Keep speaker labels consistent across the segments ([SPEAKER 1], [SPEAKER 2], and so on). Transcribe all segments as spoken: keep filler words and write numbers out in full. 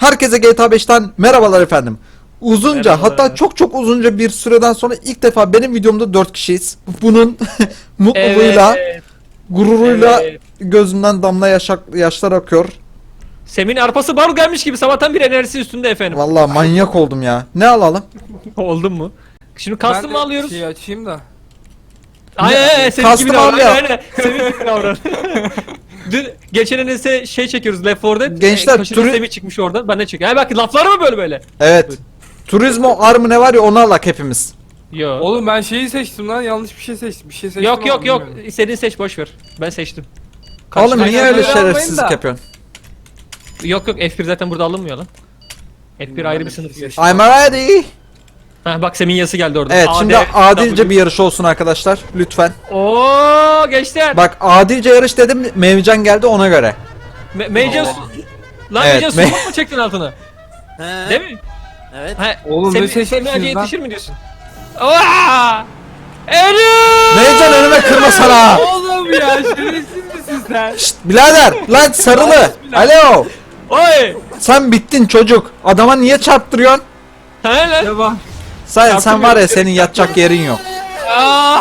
[SPEAKER 1] Herkese G T A beşten merhabalar efendim. Uzunca
[SPEAKER 2] Merhabalar.
[SPEAKER 1] hatta çok çok uzunca bir süreden sonra ilk defa benim videomda dört kişiyiz. Bunun mutluluğuyla,
[SPEAKER 2] Evet.
[SPEAKER 1] gururuyla
[SPEAKER 2] Evet.
[SPEAKER 1] gözünden damla yaşak, yaşlar akıyor.
[SPEAKER 2] Sem'in arpası baro gelmiş gibi sabahtan bir enerjisi üstünde efendim.
[SPEAKER 1] Vallahi manyak oldum ya. Ne alalım?
[SPEAKER 2] Oldun mu? Şimdi custom mı alıyoruz?
[SPEAKER 3] Şey açayım da.
[SPEAKER 2] Aynen aynen Semih gibi
[SPEAKER 1] Custom
[SPEAKER 2] davran.
[SPEAKER 1] al ya.
[SPEAKER 2] Aynen aynen. Semih gibi davran. Dün geçen enese şey çekiyoruz Left four Dead.
[SPEAKER 1] Gençler,
[SPEAKER 2] E, kaşıncı
[SPEAKER 1] turu-
[SPEAKER 2] Semih çıkmış oradan. Ben de çekiyorum. Ha bak laflar mı böyle böyle?
[SPEAKER 1] Evet. Turizmo armı ne var ya onu alak hepimiz.
[SPEAKER 2] Yok.
[SPEAKER 3] Oğlum ben şeyi seçtim lan, yanlış bir şey seçtim. Bir şey seçtim
[SPEAKER 2] Yok yok
[SPEAKER 3] ama
[SPEAKER 2] yok.
[SPEAKER 3] bilmiyorum.
[SPEAKER 2] İstediğin seç boş ver. Ben seçtim.
[SPEAKER 1] Oğlum
[SPEAKER 2] Karşıdan
[SPEAKER 1] niye
[SPEAKER 2] gelen-
[SPEAKER 1] öyle
[SPEAKER 3] böyle almayın
[SPEAKER 1] şerefsizlik
[SPEAKER 3] da.
[SPEAKER 1] yapıyorsun?
[SPEAKER 2] Yok yok F bir zaten burada alınmıyor lan. F bir ayrı bir sınıf.
[SPEAKER 3] şey.
[SPEAKER 1] I'm ready.
[SPEAKER 2] Ha bak Semih'in yazısı geldi orada.
[SPEAKER 1] Evet
[SPEAKER 2] A D,
[SPEAKER 1] şimdi adilce
[SPEAKER 2] W.
[SPEAKER 1] bir yarış olsun arkadaşlar. Lütfen.
[SPEAKER 2] Oo gençler.
[SPEAKER 1] Bak adilce yarış dedim. Mevcan geldi ona göre.
[SPEAKER 2] Me Meycan su... Lan
[SPEAKER 1] Evet,
[SPEAKER 2] Meycan
[SPEAKER 1] me-
[SPEAKER 2] su mu çektin altına?
[SPEAKER 4] He.
[SPEAKER 2] Değil mi?
[SPEAKER 4] Evet.
[SPEAKER 2] Ha,
[SPEAKER 3] Oğlum,
[SPEAKER 2] Semih-
[SPEAKER 3] ne seçmişsiniz
[SPEAKER 2] Semih Hacı'ya
[SPEAKER 3] lan?
[SPEAKER 2] yetişir mi diyorsun? Aa! Eee!
[SPEAKER 1] Mevcan önüme kırma sana.
[SPEAKER 3] Oğlum ya, şerefsiz misin sen?
[SPEAKER 1] Şşt birader lan sarılı. Alo.
[SPEAKER 2] Oy!
[SPEAKER 1] Sen bittin çocuk. Adama niye çarptırıyorsun?
[SPEAKER 2] Ha lan?
[SPEAKER 3] Devam.
[SPEAKER 1] Sen sen var ya senin yatacak yerin yok.
[SPEAKER 3] Aa!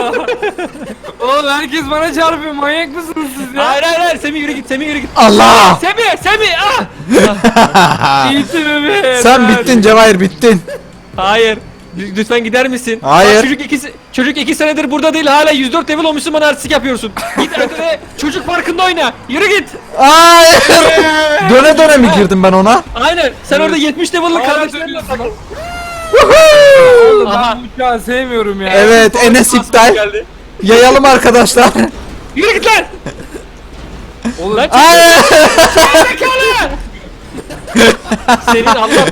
[SPEAKER 3] Oğlum herkes bana çarpıyor, manyak mısınız siz ya?
[SPEAKER 2] Hayır hayır hayır Semih yürü git Semih yürü git.
[SPEAKER 1] Allah!
[SPEAKER 2] Semih Semih ah!
[SPEAKER 3] İyisin bebeğim.
[SPEAKER 1] Sen bittin Cevahir bittin.
[SPEAKER 2] Hayır. L- Lütfen gider misin?
[SPEAKER 1] Hayır.
[SPEAKER 2] Bak, çocuk iki, se- çocuk iki senedir burada değil hala yüz dört level olmuşsun bana artistik yapıyorsun. Git arkada çocuk parkında oyna. Yürü git.
[SPEAKER 1] Hayır. Döne döne mi girdim ben ona?
[SPEAKER 2] Aynen. Sen orada yetmiş level'lık
[SPEAKER 3] Hala
[SPEAKER 2] kardeşlerle
[SPEAKER 3] dönüyorsun
[SPEAKER 2] takıl.
[SPEAKER 3] lan. Oğlum
[SPEAKER 2] Aha.
[SPEAKER 3] ben bu uçağı sevmiyorum ya.
[SPEAKER 1] Evet Enes iptal.
[SPEAKER 2] Geldi.
[SPEAKER 1] Yayalım arkadaşlar.
[SPEAKER 2] Yürü git lan.
[SPEAKER 3] Oğlum
[SPEAKER 2] Lan
[SPEAKER 1] Hayır.
[SPEAKER 2] zekalı. Senin Allah.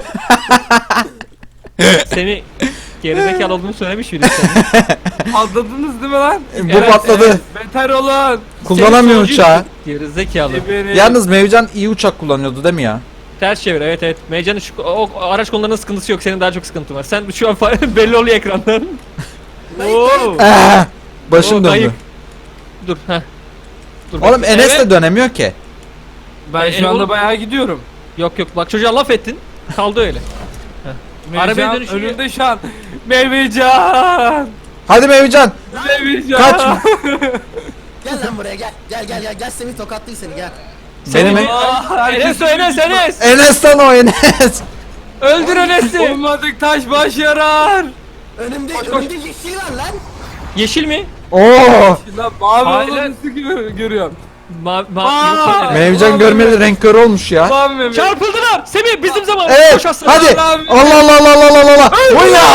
[SPEAKER 2] Semih gerizekalı olduğunu söylemiş miydin sen?
[SPEAKER 3] atladınız değil mi lan?
[SPEAKER 1] Bu
[SPEAKER 2] Evet,
[SPEAKER 1] patladı.
[SPEAKER 3] Beter olun.
[SPEAKER 1] Kullanamıyor
[SPEAKER 2] Senin
[SPEAKER 1] uçağı.
[SPEAKER 2] Gerizekalı.
[SPEAKER 3] Geberin.
[SPEAKER 1] Yalnız Mevcan iyi uçak kullanıyordu değil mi ya?
[SPEAKER 2] Ters çevir evet evet. Meycan'ın şu o, o araç konularında sıkıntısı yok. Senin daha çok sıkıntın var. Sen şu an fa- belli oluyor ekrandan. Oo.
[SPEAKER 1] Eh, başım
[SPEAKER 2] Oo,
[SPEAKER 1] döndü.
[SPEAKER 2] kayıp. Dur ha. Dur.
[SPEAKER 1] Oğlum
[SPEAKER 2] bak.
[SPEAKER 1] Enes
[SPEAKER 2] Evet.
[SPEAKER 1] de dönemiyor ki.
[SPEAKER 3] Ben
[SPEAKER 2] E,
[SPEAKER 3] şu anda
[SPEAKER 2] oğlum-
[SPEAKER 3] bayağı gidiyorum.
[SPEAKER 2] Yok yok bak çocuğa laf ettin. Kaldı öyle. Arabaya
[SPEAKER 3] Meyvecan
[SPEAKER 2] dönüşüyor.
[SPEAKER 3] önümde şu an. Meyvecan.
[SPEAKER 1] Hadi Mevcan.
[SPEAKER 3] Meyvecan.
[SPEAKER 1] Kaçma.
[SPEAKER 4] Gel lan buraya gel. Gel gel gel. Gel Semih tokatlayı seni gel.
[SPEAKER 1] Benim
[SPEAKER 2] Semih-
[SPEAKER 3] Aa,
[SPEAKER 2] Enes o Enes Enes.
[SPEAKER 1] Enes'ten o Enes.
[SPEAKER 2] Öldür Enes'i.
[SPEAKER 3] Olmadık taş baş yarar.
[SPEAKER 4] Önümde önümde yeşil var lan.
[SPEAKER 2] Yeşil mi?
[SPEAKER 1] Oo.
[SPEAKER 3] Lan mavi
[SPEAKER 2] Hayır.
[SPEAKER 3] olanı gö- görüyorum.
[SPEAKER 2] Ma ma
[SPEAKER 3] Aa!
[SPEAKER 2] yok,
[SPEAKER 1] Mevcan görmeli renk körü olmuş ya.
[SPEAKER 3] Mavi Mehmet.
[SPEAKER 2] Çarpıldılar. Semih bizim zaman.
[SPEAKER 1] Evet.
[SPEAKER 2] Koş aslan.
[SPEAKER 1] Hadi.
[SPEAKER 3] Allah'ım.
[SPEAKER 1] Allah Allah Allah Allah Allah Allah. Oya.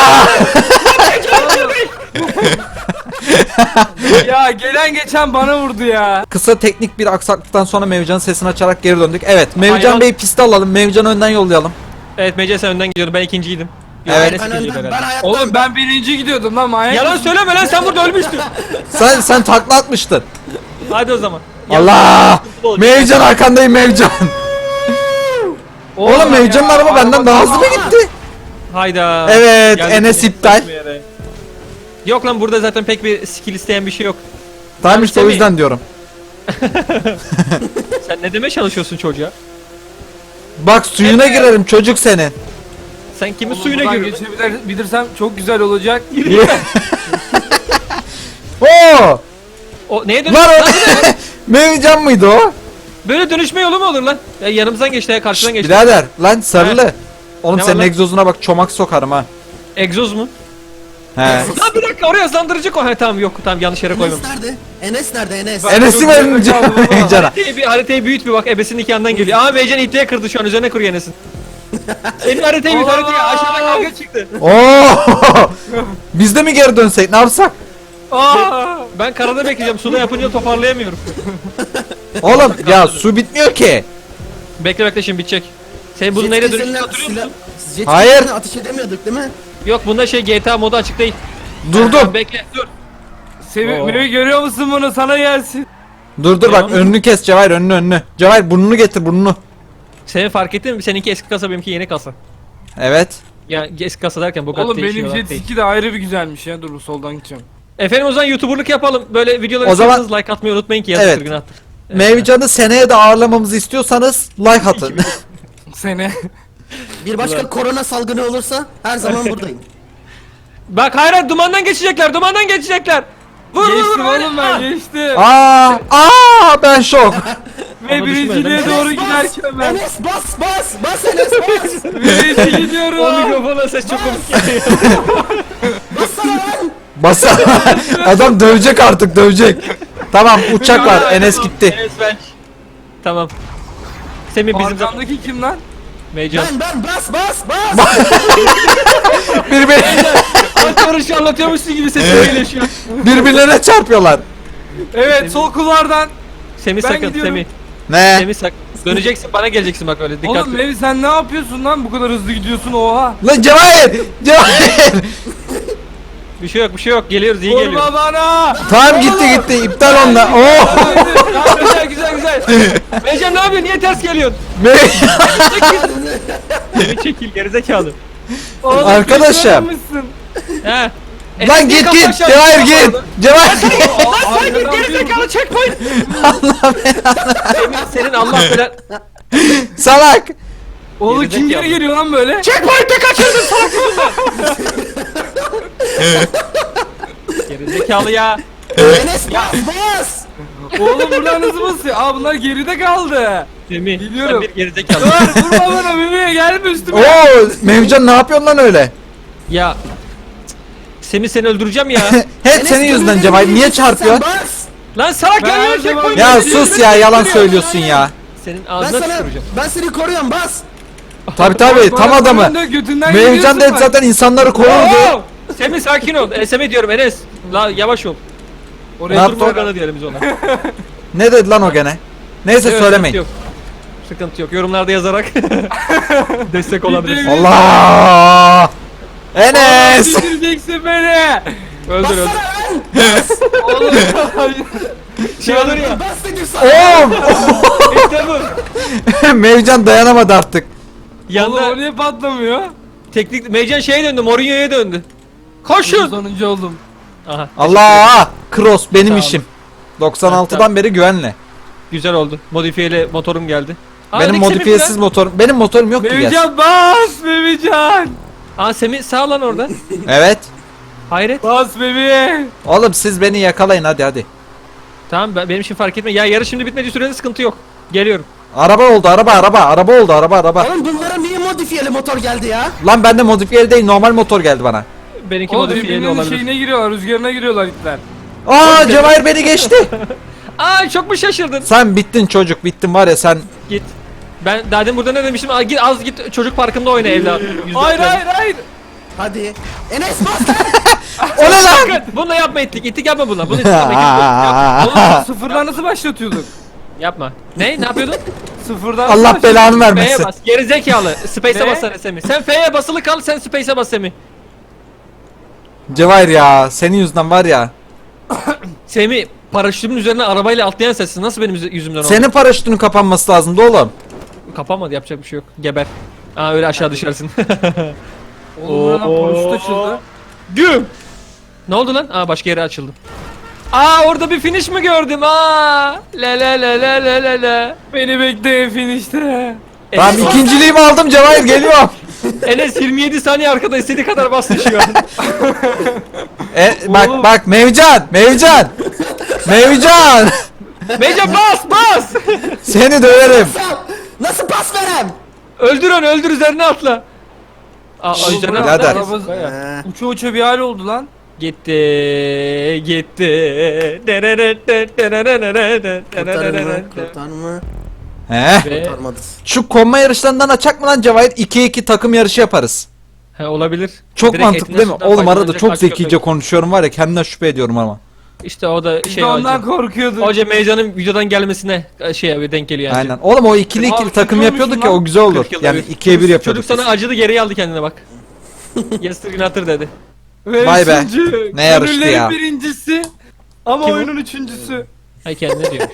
[SPEAKER 3] Ya gelen geçen bana vurdu ya.
[SPEAKER 1] Kısa teknik bir aksaklıktan sonra Mevcan'ın sesini açarak geri döndük. Evet, Mevcan
[SPEAKER 2] Hayvan.
[SPEAKER 1] Bey'i piste alalım. Mevcan'ı önden yollayalım.
[SPEAKER 2] Evet Mece sen önden gidiyordun. Ben ikinciydim. Yok,
[SPEAKER 1] Evet.
[SPEAKER 2] Enes
[SPEAKER 4] Ben
[SPEAKER 2] ikinciydi
[SPEAKER 4] önden ben
[SPEAKER 2] herhalde.
[SPEAKER 4] ayakta.
[SPEAKER 3] Oğlum ben birinci gidiyordum lan manyak.
[SPEAKER 2] Yalan
[SPEAKER 3] mısın?
[SPEAKER 2] söyleme lan sen burada ölmüştün.
[SPEAKER 1] Sen sen takla atmıştın.
[SPEAKER 2] Hadi o zaman.
[SPEAKER 1] Allah!
[SPEAKER 2] olacak.
[SPEAKER 1] Mevcan arkandayım Mevcan. Oğlum Mevcan'ın
[SPEAKER 3] ya,
[SPEAKER 1] araba benden daha hızlı mı
[SPEAKER 4] araba-
[SPEAKER 1] gitti?
[SPEAKER 2] Hayda.
[SPEAKER 1] Evet,
[SPEAKER 2] Geldik
[SPEAKER 1] Enes
[SPEAKER 2] yine.
[SPEAKER 1] iptal.
[SPEAKER 2] Yok lan burada zaten pek bir skill isteyen bir şey yok.
[SPEAKER 1] Tamam işte o
[SPEAKER 2] Semih.
[SPEAKER 1] yüzden diyorum.
[SPEAKER 2] Sen ne demeye çalışıyorsun çocuğa?
[SPEAKER 1] Bak suyuna girerim çocuk senin.
[SPEAKER 2] Sen kimin
[SPEAKER 3] Oğlum,
[SPEAKER 2] suyuna
[SPEAKER 3] buradan
[SPEAKER 2] giriyorsun?
[SPEAKER 3] geçebilirsem çok güzel olacak.
[SPEAKER 1] Oo!
[SPEAKER 2] O neye dönüş?
[SPEAKER 1] Lan o Mevcan mıydı o?
[SPEAKER 2] Böyle dönüşme yolu mu olur lan? Ya yanımızdan geçti ya karşıdan geçti.
[SPEAKER 1] Birader lan sarılı. Oğlum
[SPEAKER 2] Ne var
[SPEAKER 1] senin
[SPEAKER 2] lan?
[SPEAKER 1] egzozuna bak çomak sokarım ha.
[SPEAKER 2] Egzoz mu?
[SPEAKER 1] He.
[SPEAKER 2] Lan bir dakika oraya hızlandırıcı koy. Ha tamam yok tamam yanlış yere koymam.
[SPEAKER 4] Enes nerede? Enes nerede Enes?
[SPEAKER 3] Bak-
[SPEAKER 1] Enes'i
[SPEAKER 3] çok
[SPEAKER 1] verin
[SPEAKER 3] güzel kaldı baba.
[SPEAKER 1] Mevcan'a.
[SPEAKER 2] Haritayı, bir, haritayı büyüt bir bak ebesinin iki yandan geliyor. Aa Meycan ipliğe kırdı şu an üzerine kuruyor Enes'in. Senin haritayı büyüt haritayı aşağıdan kavga çıktı.
[SPEAKER 1] Oo! Biz de mi geri dönsek ne yapsak?
[SPEAKER 3] Aa!
[SPEAKER 2] Ben karada bekleyeceğim suda yapınca toparlayamıyorum.
[SPEAKER 1] Oğlum ya su bitmiyor ki.
[SPEAKER 2] Bekle bekle şimdi bitecek. Sen bunun
[SPEAKER 4] Jet
[SPEAKER 2] neyle
[SPEAKER 4] ski'lerle
[SPEAKER 2] dönüştüğünü hatırlıyor
[SPEAKER 4] silah-
[SPEAKER 2] musun?
[SPEAKER 4] jet
[SPEAKER 1] Hayır.
[SPEAKER 4] ski'lerle ateş edemiyorduk değil mi?
[SPEAKER 2] Yok bunda şey G T A modu açık değil.
[SPEAKER 1] Dur dur.
[SPEAKER 2] Bekle dur.
[SPEAKER 3] Semih,
[SPEAKER 2] Oo.
[SPEAKER 3] Mehmet görüyor musun bunu? Sana gelsin.
[SPEAKER 1] Dur dur bak
[SPEAKER 2] Tamam.
[SPEAKER 1] önünü kes Cevahir önünü önünü. Cevahir burnunu getir burnunu.
[SPEAKER 2] Seni fark ettin mi? Seninki eski kasa benimki yeni kasa.
[SPEAKER 1] Evet.
[SPEAKER 2] Yani eski kasa derken bu kadar
[SPEAKER 3] Oğlum benim
[SPEAKER 2] değişiyor
[SPEAKER 3] jet
[SPEAKER 2] değil.
[SPEAKER 3] ski de ayrı bir güzelmiş ya. Dur soldan gideceğim.
[SPEAKER 2] Efendim o zaman YouTuber'lık yapalım. Böyle videoları
[SPEAKER 1] O zaman-
[SPEAKER 2] istiyorsanız like atmayı unutmayın ki yazıktır
[SPEAKER 1] Evet.
[SPEAKER 2] günahtır.
[SPEAKER 1] Mevcan'ı seneye de ağırlamamızı istiyorsanız like atın.
[SPEAKER 3] seni.
[SPEAKER 4] Bir başka korona salgını olursa her zaman buradayım.
[SPEAKER 2] Bak hayır hayır, dumandan geçecekler, dumandan geçecekler. Vur vur
[SPEAKER 3] Geçtim
[SPEAKER 2] vur.
[SPEAKER 3] oğlum ben geçtim.
[SPEAKER 1] Aa, aa ben şok.
[SPEAKER 3] Ve
[SPEAKER 2] Ama
[SPEAKER 3] birinciliğe
[SPEAKER 2] düşme,
[SPEAKER 3] doğru
[SPEAKER 4] Enes
[SPEAKER 3] giderken ben.
[SPEAKER 4] Enes bas bas bas Enes bas.
[SPEAKER 3] Birinci gidiyorum.
[SPEAKER 2] O mikrofona ses çok komik geliyor.
[SPEAKER 4] Bassana lan.
[SPEAKER 1] Basa. Adam dövecek artık dövecek. Tamam uçak var. Enes gitti.
[SPEAKER 2] Enes ben. Tamam. Semih bizim zaman.
[SPEAKER 3] Arkamdaki kim lan?
[SPEAKER 2] Meycan.
[SPEAKER 4] Ben ben bas bas bas.
[SPEAKER 1] Birbir,
[SPEAKER 2] Arkadaşı anlatıyormuşsun gibi sesim geliyor şu an.
[SPEAKER 1] birbirlerine çarpıyorlar.
[SPEAKER 3] Evet sol kulvardan.
[SPEAKER 2] Semih
[SPEAKER 3] Ben
[SPEAKER 2] sakın,
[SPEAKER 3] gidiyorum.
[SPEAKER 2] Semih.
[SPEAKER 1] Ne?
[SPEAKER 2] Semih sakın. Döneceksin, bana geleceksin bak öyle
[SPEAKER 3] Oğlum
[SPEAKER 2] dikkatli.
[SPEAKER 3] Levi sen ne yapıyorsun lan bu kadar hızlı gidiyorsun oha.
[SPEAKER 1] Lan Cevahir! Cevahir!
[SPEAKER 2] Bir şey yok, bir şey yok. Geliyoruz, iyi geliyor.
[SPEAKER 3] Vurma bana.
[SPEAKER 1] Tamam gitti gitti. İptal onda. Oh!
[SPEAKER 2] güzel güzel güzel. Meycan ne yapıyorsun? Niye ters geliyorsun? Semih çekil, gerizekalı.
[SPEAKER 3] Oğlum,
[SPEAKER 1] Arkadaşım.
[SPEAKER 3] kazanmışsın.
[SPEAKER 2] He.
[SPEAKER 1] Lan git git. Cevahir git. Cevahir.
[SPEAKER 2] Lan sen git gerizekalı, checkpoint. Semih senin Allah belanı.
[SPEAKER 1] Salak.
[SPEAKER 3] Oğlum
[SPEAKER 2] Gerizekalı.
[SPEAKER 3] kim geri geliyor lan böyle?
[SPEAKER 2] Checkpoint'e kaçırdın salak yüzünden. Gerizekalı ya.
[SPEAKER 4] Enes bas bas.
[SPEAKER 3] Oğlum buradan hızlı basıyor. Aa bunlar geride kaldı.
[SPEAKER 2] Semih
[SPEAKER 3] Biliyorum.
[SPEAKER 2] sen bir gerizekalı.
[SPEAKER 3] Dur vurma bana bebeğe gelme üstüme.
[SPEAKER 1] Oo, Mevcan ne yapıyorsun lan öyle?
[SPEAKER 2] Ya Semih seni öldüreceğim ya.
[SPEAKER 1] Hep
[SPEAKER 4] Enes,
[SPEAKER 1] senin yüzünden
[SPEAKER 4] gönlünü
[SPEAKER 1] Cevahir. Niye
[SPEAKER 4] vereceksin,
[SPEAKER 1] çarpıyorsun?
[SPEAKER 4] sen bas.
[SPEAKER 2] Lan salak
[SPEAKER 3] Ben
[SPEAKER 2] gel
[SPEAKER 3] her
[SPEAKER 2] ya
[SPEAKER 3] zaman-
[SPEAKER 2] checkpoint.
[SPEAKER 1] Ya sus ya yalan söylüyorsun ya.
[SPEAKER 2] Senin
[SPEAKER 4] Ben
[SPEAKER 2] ağzına
[SPEAKER 4] sana
[SPEAKER 2] tüküreceğim.
[SPEAKER 4] ben seni koruyorum bas.
[SPEAKER 1] Tabi tabi tam adamı.
[SPEAKER 3] Götünden
[SPEAKER 1] Mevcan da hep zaten insanları korurdu.
[SPEAKER 2] Oo! Semih sakin ol. E, Semih diyorum Enes. La yavaş ol.
[SPEAKER 1] Ne
[SPEAKER 2] Oraya
[SPEAKER 1] yaptı?
[SPEAKER 2] durma organı diyelim biz ona.
[SPEAKER 1] Ne dedi lan o gene? Neyse
[SPEAKER 2] Evet,
[SPEAKER 1] söylemeyin.
[SPEAKER 2] Sıkıntı yok. Sıkıntı yok. Yorumlarda yazarak destek olabilirsin.
[SPEAKER 3] Gidelim.
[SPEAKER 1] Allah! Enes!
[SPEAKER 3] Bitireceksin beni.
[SPEAKER 2] Öldür öldür.
[SPEAKER 4] Bassana lan.
[SPEAKER 3] Oğlum.
[SPEAKER 2] Şey olur ya.
[SPEAKER 4] Bas dedim sana.
[SPEAKER 1] Oğlum!
[SPEAKER 2] İşte bu.
[SPEAKER 1] Mevcan dayanamadı artık.
[SPEAKER 3] Oğlum
[SPEAKER 2] Yanda
[SPEAKER 3] o niye patlamıyor?
[SPEAKER 2] teknik Meycan şeye döndü. Mourinho'ya döndü. Koşun.
[SPEAKER 3] Sonuncu oldum.
[SPEAKER 2] Aha.
[SPEAKER 1] Allah! Cross benim
[SPEAKER 2] Sağ olun.
[SPEAKER 1] işim. doksan altıdan beri güvenle.
[SPEAKER 2] Güzel oldu. Modifiyeli motorum geldi. Aa,
[SPEAKER 1] Benim
[SPEAKER 2] Nick Semih
[SPEAKER 1] modifiyesiz
[SPEAKER 2] lan.
[SPEAKER 1] motorum. Benim motorum yok ki gel.
[SPEAKER 3] Mevcan bas Mevcan.
[SPEAKER 2] Aa Semih sağ lan orada.
[SPEAKER 1] Evet.
[SPEAKER 2] Hayret.
[SPEAKER 3] Bas bebeğe.
[SPEAKER 1] Oğlum siz beni yakalayın hadi hadi.
[SPEAKER 2] Tamam ben, benim için fark etme. Ya yarış şimdi bitmediği sürede sıkıntı yok. Geliyorum.
[SPEAKER 1] Araba oldu araba araba araba oldu araba araba.
[SPEAKER 4] Oğlum bunlara niye modifiyeli motor geldi ya?
[SPEAKER 1] Lan bende modifiyeli değil normal motor geldi bana.
[SPEAKER 2] Benimki
[SPEAKER 3] Oğlum
[SPEAKER 2] modifiyeli
[SPEAKER 3] birbirinin
[SPEAKER 2] olabilir.
[SPEAKER 3] şeyine giriyorlar, rüzgarına giriyorlar itler.
[SPEAKER 1] Aa Cevahir beni geçti.
[SPEAKER 2] Aa çok mu şaşırdın?
[SPEAKER 1] Sen bittin çocuk bittin var ya sen.
[SPEAKER 2] Git. Ben daha demin burada ne demiştim? Aa, git az git çocuk parkında oyna evladım. Yüzde
[SPEAKER 3] Hayır
[SPEAKER 2] otuz.
[SPEAKER 3] hayır hayır.
[SPEAKER 4] Hadi. Enes bas lan.
[SPEAKER 1] O ne lan?
[SPEAKER 2] Sakın! Bununla yapma ettik. İttik yapma bununla. Bunu ittik yapma.
[SPEAKER 3] Oğlum sıfırdan nasıl başlatıyorduk?
[SPEAKER 2] Yapma. Ne? Ne yapıyordun?
[SPEAKER 3] Sıfırdan nasıl
[SPEAKER 1] Allah
[SPEAKER 3] başlatıyorduk?
[SPEAKER 1] belanı
[SPEAKER 2] F'ye
[SPEAKER 1] vermesin.
[SPEAKER 2] bas. Gerizekalı. Space'e
[SPEAKER 3] Ne?
[SPEAKER 2] bas sen Semih. Sen F'ye basılı kal, sen Space'e bas Semih.
[SPEAKER 1] Cevahir ya senin yüzünden var ya.
[SPEAKER 2] Semih, paraşütümün üzerine arabayla atlayan sensin. Nasıl benim yüzü- yüzümden oldu?
[SPEAKER 1] Senin paraşütünün kapanması lazımdı oğlum.
[SPEAKER 2] Kapamadı, yapacak bir şey yok. Geber. Aa öyle aşağı düşersin.
[SPEAKER 3] Oğlum buradan paraşüt açıldı.
[SPEAKER 2] Güm! Ne oldu lan? Aa başka yere açıldı. Aa orada bir finish mi gördüm? Aa! Le le le le le le le.
[SPEAKER 3] Beni bekle finişte.
[SPEAKER 1] Tamam
[SPEAKER 2] Enes,
[SPEAKER 1] ikinciliğimi aldım Cevahir geliyorum.
[SPEAKER 2] Enes yirmi yedi saniye arkada istediği kadar bastı şu an.
[SPEAKER 1] E, bak
[SPEAKER 3] Oğlum.
[SPEAKER 1] bak Mevcan Mevcan. Mevcan.
[SPEAKER 2] Meycan bas bas!
[SPEAKER 1] Seni döverim.
[SPEAKER 4] Nasıl pas verem?
[SPEAKER 2] Öldür onu, öldür, üzerine atla. Aa
[SPEAKER 3] Oğlum,
[SPEAKER 2] üzerine
[SPEAKER 3] bırak,
[SPEAKER 2] atla.
[SPEAKER 1] Birader.
[SPEAKER 3] araba-
[SPEAKER 4] Ee,
[SPEAKER 3] Uça uça bir hal oldu lan.
[SPEAKER 2] Gitti, gitti.
[SPEAKER 4] kurtarır mı? Kurtar mı?
[SPEAKER 1] He.
[SPEAKER 2] Ve-
[SPEAKER 4] Kurtarmadı.
[SPEAKER 1] Şu konma yarışlarından açak mı lan Cevahir? iki iki takım yarışı yaparız.
[SPEAKER 2] He olabilir.
[SPEAKER 1] Çok
[SPEAKER 2] Direkt
[SPEAKER 1] mantıklı
[SPEAKER 2] etinden
[SPEAKER 1] değil mi?
[SPEAKER 2] sütten
[SPEAKER 1] Oğlum arada
[SPEAKER 2] faydalanacak
[SPEAKER 1] çok
[SPEAKER 2] aç
[SPEAKER 1] zekice
[SPEAKER 2] köpek.
[SPEAKER 1] konuşuyorum var ya kendimden şüphe ediyorum ama.
[SPEAKER 2] İşte o da
[SPEAKER 3] Biz
[SPEAKER 2] şey
[SPEAKER 3] de ondan
[SPEAKER 2] hoca.
[SPEAKER 3] korkuyorduk.
[SPEAKER 2] Hoca Meycan'ın videodan gelmesine şey abi denk geliyor yani.
[SPEAKER 1] Aynen. Oğlum o ikili
[SPEAKER 3] Abi
[SPEAKER 1] ikili
[SPEAKER 3] çok
[SPEAKER 1] takım
[SPEAKER 3] iyi
[SPEAKER 1] yapıyorduk
[SPEAKER 3] olmuşsun
[SPEAKER 1] ya
[SPEAKER 3] lan.
[SPEAKER 1] o güzel olur.
[SPEAKER 2] kırk yılda
[SPEAKER 1] Yani
[SPEAKER 2] bir.
[SPEAKER 1] ikiye bir
[SPEAKER 2] Çocuk-
[SPEAKER 1] yapıyorduk.
[SPEAKER 2] Çocuk sana acıdı, geri aldı kendine bak. Yesterday Natır dedi.
[SPEAKER 3] Ve
[SPEAKER 1] Vay be,
[SPEAKER 3] üçüncü.
[SPEAKER 1] ne yarıştı
[SPEAKER 3] Gönüllerin
[SPEAKER 1] ya.
[SPEAKER 3] birincisi. Ama
[SPEAKER 2] Kim o?
[SPEAKER 3] oyunun üçüncüsü.
[SPEAKER 2] Ay kendine diyor.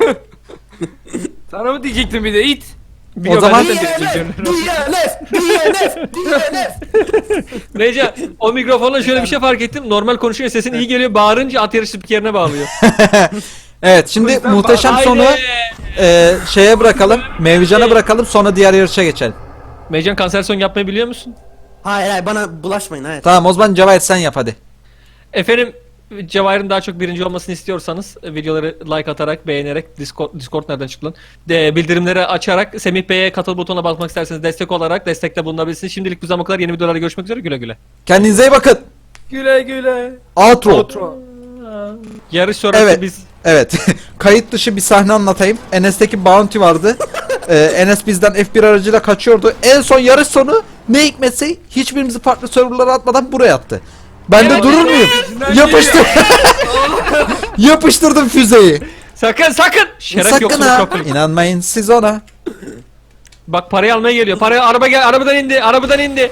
[SPEAKER 3] Sana mı diyecektim bir de it.
[SPEAKER 2] Biliyor,
[SPEAKER 1] zaman-
[SPEAKER 2] ben de
[SPEAKER 4] D N F,
[SPEAKER 2] diyorum.
[SPEAKER 4] D N F, D N F, D N F.
[SPEAKER 2] Meycan o mikrofonla şöyle bir şey fark ettim. Normal konuşuyor, sesin iyi geliyor. Bağırınca at yarışı spikerine bağlıyor.
[SPEAKER 1] Evet şimdi
[SPEAKER 3] yüzden
[SPEAKER 1] muhteşem
[SPEAKER 2] Haydi.
[SPEAKER 1] sonu e, şeye bırakalım. Mevcan'a bırakalım sonra diğer yarışa geçelim.
[SPEAKER 2] Meycan kanser son yapmayı biliyor musun?
[SPEAKER 4] Hayır hayır bana bulaşmayın hayır.
[SPEAKER 1] Tamam o zaman Cevahir sen yap hadi.
[SPEAKER 2] Efendim Cevahir'in daha çok birinci olmasını istiyorsanız e, videoları like atarak, beğenerek, Discord, Discord nereden çıktı lan? De, bildirimleri açarak, Semih Bey'e katıl butonuna basmak isterseniz destek olarak destekte bulunabilirsiniz. Şimdilik bu zamana kadar yeni videolarda görüşmek üzere, güle güle.
[SPEAKER 1] Kendinize iyi bakın.
[SPEAKER 3] Güle güle.
[SPEAKER 1] Outro.
[SPEAKER 3] Outro.
[SPEAKER 2] Yarış sonrası
[SPEAKER 1] Evet.
[SPEAKER 2] biz...
[SPEAKER 1] Evet. Kayıt dışı bir sahne anlatayım. Enes'teki bounty vardı. Ee, Enes bizden F bir aracıyla kaçıyordu. En son yarış sonu ne hikmetse hiçbirimizi farklı serverlara atmadan buraya attı. Ben de
[SPEAKER 2] Evet,
[SPEAKER 1] durur muyum? Yapıştır. Yapıştırdım füzeyi.
[SPEAKER 2] Sakın sakın! Şeref
[SPEAKER 1] Sakın
[SPEAKER 2] yoksunuz
[SPEAKER 1] ha.
[SPEAKER 2] çok ayıp.
[SPEAKER 1] İnanmayın siz ona.
[SPEAKER 2] Bak parayı almaya geliyor. Parayı araba gel arabadan indi. Arabadan indi.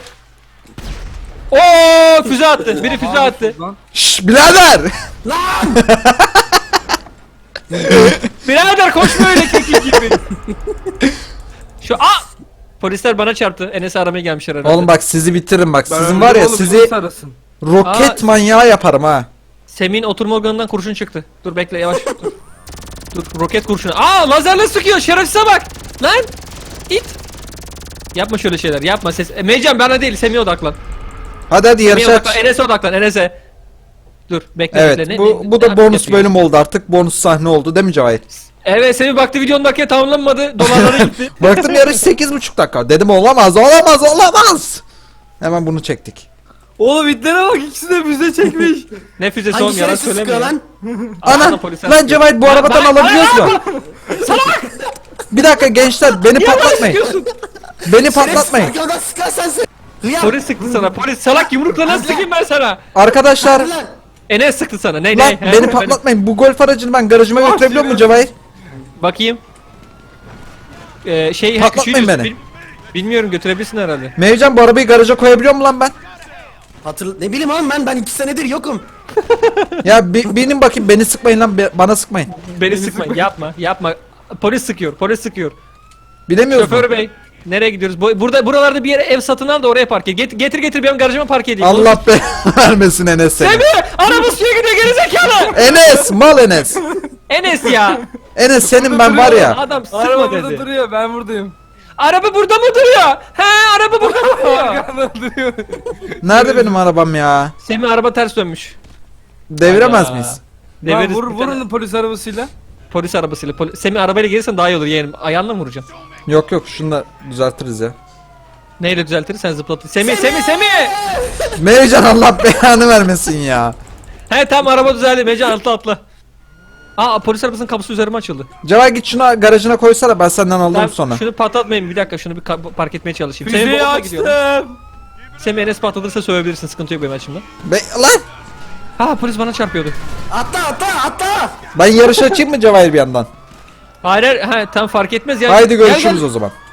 [SPEAKER 2] Oo füze attı. Biri füze attı.
[SPEAKER 3] Lan.
[SPEAKER 1] Şşş birader.
[SPEAKER 2] Birader koşma öyle kekil gibi. Şu a Polisler bana çarptı. Enes'i aramaya gelmişler herhalde.
[SPEAKER 1] Oğlum bak sizi bitiririm bak.
[SPEAKER 3] Ben
[SPEAKER 1] Sizin var ya
[SPEAKER 3] oğlum,
[SPEAKER 1] sizi
[SPEAKER 3] polis arasın.
[SPEAKER 1] roket
[SPEAKER 2] Aa,
[SPEAKER 1] manyağı yaparım ha.
[SPEAKER 2] Semih'in oturma organından kurşun çıktı. Dur bekle yavaş. Dur. Dur roket kurşunu. Aa lazerle sıkıyor. Şerefsize bak. Lan. İt. Yapma şöyle şeyler. Yapma ses. E, Meycan bana değil. Semih'e odaklan.
[SPEAKER 1] Hadi hadi
[SPEAKER 2] Semih'e
[SPEAKER 1] yarışa
[SPEAKER 2] odaklan.
[SPEAKER 1] aç.
[SPEAKER 2] Enes'e odaklan. Enes'e. Dur bekle
[SPEAKER 1] Evet
[SPEAKER 2] bekle. Ne-
[SPEAKER 1] bu,
[SPEAKER 2] ne-
[SPEAKER 1] bu da
[SPEAKER 2] ne
[SPEAKER 1] bonus
[SPEAKER 2] yapıyor?
[SPEAKER 1] bölüm oldu artık. Bonus sahne oldu değil mi Cevahir?
[SPEAKER 2] Evet Semih baktı videonun dakika tamamlanmadı. Dolarlara gitti.
[SPEAKER 1] Baktım yarış sekiz buçuk dakika. Dedim olamaz olamaz olamaz. Hemen bunu çektik.
[SPEAKER 3] Oğlum itlere bak ikisi de müze çekmiş.
[SPEAKER 2] Ne füzesi
[SPEAKER 4] Hangi
[SPEAKER 2] oğlum yalan
[SPEAKER 4] şerefsiz sıkıyor
[SPEAKER 2] söylemiyor.
[SPEAKER 4] lan?
[SPEAKER 1] Ana
[SPEAKER 2] Ana, polisler
[SPEAKER 1] lan
[SPEAKER 2] sıkıyor.
[SPEAKER 1] Cevahir bu
[SPEAKER 2] Lan,
[SPEAKER 1] arabadan
[SPEAKER 2] lan,
[SPEAKER 1] alabiliyoruz
[SPEAKER 2] lan,
[SPEAKER 1] mu? Bir dakika gençler beni patlatmayın.
[SPEAKER 2] Sıkıyorsun.
[SPEAKER 1] Beni patlatmayın.
[SPEAKER 4] Şerefsiz arkadan sıkarsan sen. Hıyar.
[SPEAKER 2] Polis sıktı sana. Polis salak yumrukla nasıl sıkayım ben sana?
[SPEAKER 1] Arkadaşlar
[SPEAKER 4] Hadi lan.
[SPEAKER 2] Enes sıktı sana. Ne
[SPEAKER 1] lan
[SPEAKER 2] ne? He,
[SPEAKER 1] beni
[SPEAKER 2] efendim.
[SPEAKER 1] patlatmayın. Bu golf aracını ben garajıma götürebiliyor muyum Cevahir?
[SPEAKER 2] Bakayım. Ee, şey
[SPEAKER 1] Patlatmayın
[SPEAKER 2] küçüğü diyorsun,
[SPEAKER 1] beni.
[SPEAKER 2] bil- Bilmiyorum götürebilirsin herhalde.
[SPEAKER 1] Mevcan bu arabayı garaja koyabiliyor mu lan ben?
[SPEAKER 4] Hatırla ne bileyim oğlum ben ben iki senedir yokum.
[SPEAKER 1] Ya bi- benim bakayım beni sıkmayın lan be- bana sıkmayın.
[SPEAKER 2] Beni sıkma. Yapma. Yapma. Polis sıkıyor. Polis sıkıyor.
[SPEAKER 1] Bilemiyoruz mu?
[SPEAKER 2] Şoför bey. Nereye gidiyoruz? Bu- Burada buralarda bir yere ev satın al da oraya park et. Get- getir getir benim garajıma park edeyim.
[SPEAKER 1] Allah be vermesin Enes seni.
[SPEAKER 2] Semih! Araba suya gidiyor gerizekalı!
[SPEAKER 1] Enes mal Enes.
[SPEAKER 2] Enes ya!
[SPEAKER 1] Enes senin ben var ya.
[SPEAKER 2] Adam
[SPEAKER 3] Araba
[SPEAKER 2] sıkma
[SPEAKER 3] burada
[SPEAKER 2] dedi.
[SPEAKER 3] duruyor ben buradayım.
[SPEAKER 2] Araba burada mı duruyor? He araba burada mı duruyor?
[SPEAKER 3] Arkanda duruyor.
[SPEAKER 1] Nerede benim arabam ya?
[SPEAKER 2] Semih araba ters dönmüş.
[SPEAKER 1] Deviremez
[SPEAKER 2] Hayda.
[SPEAKER 1] miyiz?
[SPEAKER 3] Lan
[SPEAKER 2] Deviririz
[SPEAKER 3] vur,
[SPEAKER 2] bir tane
[SPEAKER 3] vurun polis arabasıyla.
[SPEAKER 2] polis arabasıyla. Poli- Semih arabayla gelirsen daha iyi olur yeğenim. Ayağınla mı vuracağım?
[SPEAKER 1] Yok yok şunu da düzeltiriz ya.
[SPEAKER 2] Neyle düzeltiriz sen zıplatır. Semih Semih Semih!
[SPEAKER 1] Mevcan Allah belanı vermesin ya.
[SPEAKER 2] He tamam araba düzeldi. Mecan atla atla. Aa polis arabasının kapısı üzerime açıldı.
[SPEAKER 1] Cevahir git şunu garajına koysana ben senden alırım
[SPEAKER 2] Tamam,
[SPEAKER 1] sonra.
[SPEAKER 2] şunu patlatmayın bir dakika şunu bir ka- park etmeye çalışayım. Semih
[SPEAKER 3] Füzeyi
[SPEAKER 2] bomba gidiyor.
[SPEAKER 3] açtım.
[SPEAKER 2] Semih Enes patlatırsa sövebilirsin sıkıntı yok benim açımdan.
[SPEAKER 1] Be lan
[SPEAKER 2] Ha polis bana çarpıyordu.
[SPEAKER 4] Atla atla atla.
[SPEAKER 1] ben yarış açayım mı Cevahir bir yandan?
[SPEAKER 2] Hayır hayır ha, tam fark etmez ya.
[SPEAKER 1] Haydi
[SPEAKER 2] Gel,
[SPEAKER 1] görüşürüz
[SPEAKER 2] gel.
[SPEAKER 1] o zaman.